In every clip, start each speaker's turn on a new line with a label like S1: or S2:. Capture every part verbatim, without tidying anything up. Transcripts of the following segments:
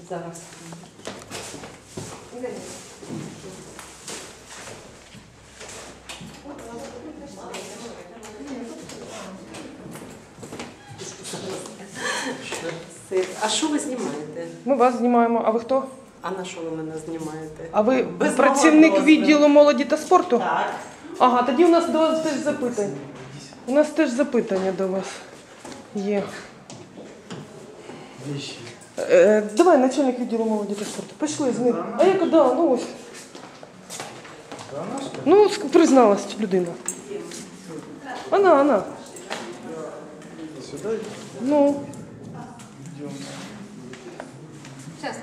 S1: Зараз. А що ви знімаєте?
S2: Ми вас знімаємо. А ви хто?
S1: А на що ви мене знімаєте?
S2: А ви
S1: Без
S2: працівник
S1: мого
S2: відділу молоді та спорту?
S1: Так.
S2: Ага, тоді у нас до вас теж запитання. У нас теж запитання до вас є. Е, давай, начальник відділу молоді та спорту. Пішли з ним. А яка, да, ну ось. Ну, призналась людина. Вона, вона.
S3: Сюда?
S2: Ну.
S1: Сейчас.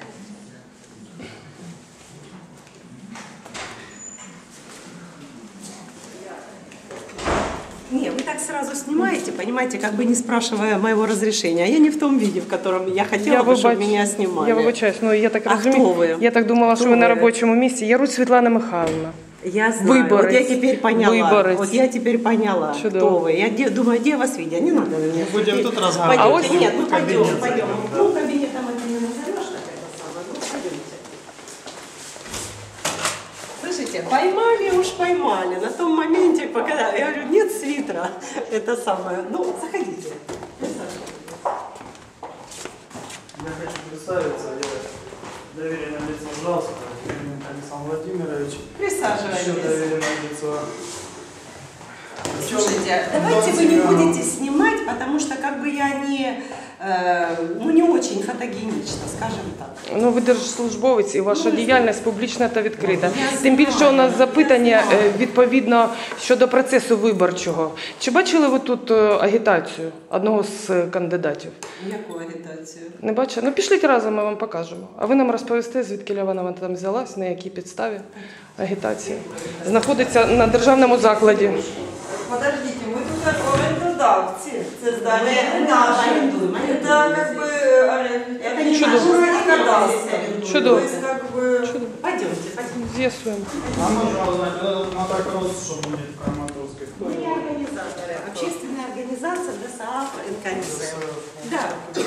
S1: Не, вы так сразу снимаете, понимаете, как бы не спрашивая моего разрешения. А я не в том виде, в котором я хотела
S2: Я
S1: бы, чтобы
S2: вибач-
S1: меня снимали.
S2: Я вибачаюсь, ну я так
S1: А
S2: розумію.
S1: хто ви?
S2: Я так думала,
S1: Хто
S2: що ви на
S1: ви?
S2: робочому місці. Я Русь Світлана Михайловна.
S1: Я знаю,
S2: Выборец.
S1: вот я теперь поняла.
S2: Выборец.
S1: Вот я теперь поняла,
S2: Чудово.
S1: кто вы. Я де, думаю, где вас видят? Не надо меня.
S3: Мы будем тут разговаривать.
S1: Пойдемте.
S2: А вот
S1: Нет, ну пойдем,
S3: кабинет
S1: пойдем.
S3: зайдем, да.
S1: Ну, кабинетом это не назовешь, так это самое. Ну, пойдемте. Слышите, поймали уж поймали. На том моменте, пока я говорю, нет свитера, это самое. Ну, заходите.
S3: Я хочу представиться, я доверенное лицо Жалского, Александр Владимирович. Еще
S1: Присаживайтесь.
S3: доверенное лицо.
S1: Слушайте, давайте вы не будете снимать, потому что как бы я не, э, ну, не очень фотогенична, скажем так.
S2: Ну, ви держслужбовець і ваша
S1: Ну,
S2: діяльність публічна та відкрита.
S1: Я
S2: Тим більше
S1: знаю,
S2: у нас
S1: я
S2: запитання
S1: знаю.
S2: е, відповідно щодо процесу виборчого. Чи бачили ви тут е, агітацію одного з е, кандидатів?
S1: Яку агітацію?
S2: Не бачили? Ну, пішліть разом, ми вам покажемо. А ви нам розповісте, звідки вона там взялась, на якій підставі агітації. Знаходиться на державному закладі.
S4: Подождите, мы тут как арендодавцы. Это здание наше. Это как бы
S1: Это не
S2: Чудо.
S1: наше здание,
S4: кадастр.
S2: Чудо.
S4: То есть как бы...
S1: Пойдемте, пойдемте.
S2: З'ясуємо.
S3: А можно узнать, вот этот мотокросс, что будет в Краматорской? Кто
S1: Мы
S3: его?
S1: организаторы. Общественная организация ДСАФ НКНЗ. Да, да.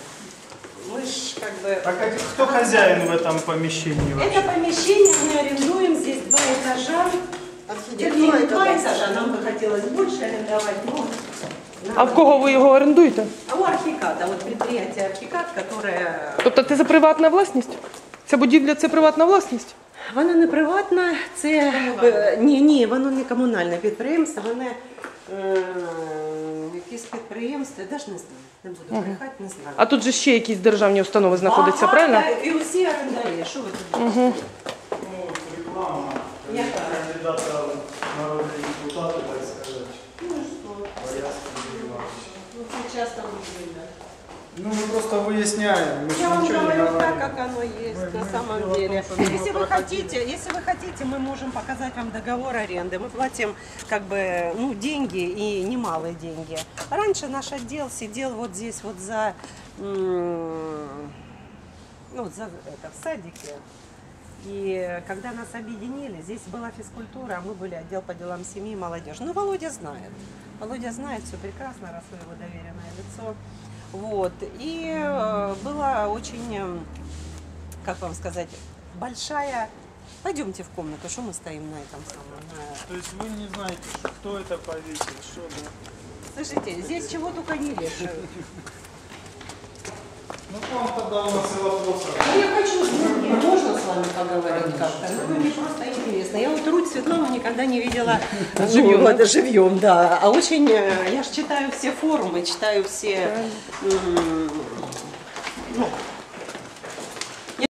S1: Мы ж как бы...
S3: А как, кто хозяин в этом помещении
S1: Это
S3: вообще?
S1: помещение мы арендуем, здесь два этажа. Вернее, два этажа, нам бы хотелось больше арендовать, но...
S2: А в кого ви його орендуєте?
S1: А у Архикада, вот предприятие Архикад, которое...
S2: Тобто це приватна власність? Ця будівля – це приватна власність?
S1: Воно не приватне, це... е, Ні, ні, воно не комунальне підприємство, воно е, якесь підприємство, я навіть не знаю, не буду брехати, не знаю.
S2: А тут же ще якісь державні установи знаходяться,
S1: Ага,
S2: правильно?
S1: так, і усі орендарі, що ви тут?
S2: Угу.
S3: Ну, реклама.
S1: Яка?
S3: Кандидата в народные депутаты, так сказать.
S1: Ну і що?
S3: Боярский Иванович.
S1: Ну, це часто видно.
S3: Ну, мы просто выясняем. Мы же
S1: Я вам
S3: ничего не
S1: говорю так,
S3: говорим.
S1: как оно есть
S3: Мы-
S1: на
S3: мы
S1: самом
S3: дело в том,
S1: деле.
S3: что мы
S1: Если вы
S3: проходили.
S1: хотите, если вы хотите, мы можем показать вам договор аренды. Мы платим как бы ну деньги и немалые деньги. Раньше наш отдел сидел вот здесь вот за м, ну за это в садике. И когда нас объединили, здесь была физкультура, а мы были отдел по делам семьи и молодежи. Ну, Володя знает. Володя знает все прекрасно, раз вы его доверенное лицо. Вот. И э, была очень, э, как вам сказать, большая... Пойдемте в комнату, что мы стоим на этом самом... на-
S3: То есть вы не знаете, кто это повесил, что да?
S1: Слушайте, здесь чего только не вешают.
S3: Ну, к вам тогда у нас и вопросы.
S1: Ну, я хочу, ну, можно с вами поговорить как-то? Ну, вы мне просто интересно. Я вот Руть Светлану никогда не видела
S2: Живьем,
S1: ну,
S2: да?
S1: живьем, да. А очень, э, я же читаю все форумы, читаю все, м, ну,